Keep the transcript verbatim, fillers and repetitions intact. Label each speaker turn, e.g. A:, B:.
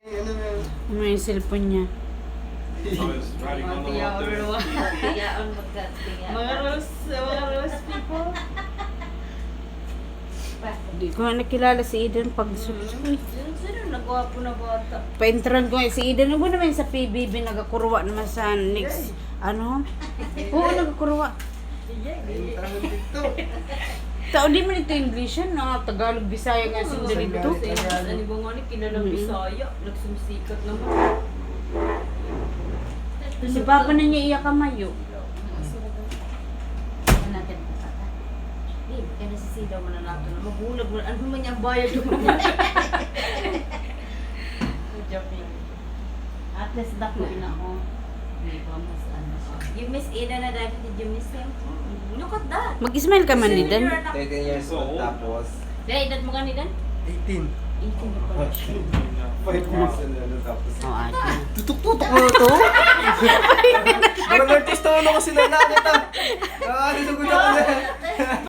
A: Ano yung cellphone niya?
B: I was riding on the lot there.
C: Tiyaon magkatiya.
D: Mga rules, mga rules people.
A: Hindi ko na nakilala si Eden pag sulit.
D: Sino nagwapo na bata?
A: Paintran ko eh, si Eden. Ano naman sa P B B nagakurwa naman sa next, ano? Oo, nagakurwa. Tao di man ito English yan, no? Tagalog, Bisaya nga si dito.
D: Ano ba nga ni kinalang Bisaya? Nagsumsikat naman.
A: Si Papa na niya iya kamayo.
C: Ano natin pata? Di, kaya nasisidaw mo na nato na maghulag mo. Ano man yung bayad mo?
D: Joking.
C: At least dako na ako. Hindi ko mas ano. You miss Ida na dahil did you miss him? Look at that.
A: Mag-smile ka man, Eden.
E: thirteen years old tapos
C: Dahil edad mo ka ni Dan?
E: eighteen.
C: eighteen na pala.
E: five years and ano tapos.
A: Oo, ate.
E: Tutok-tutok mo to? Parang artista mo na kasi na nakita. Ah, nilugod ako na.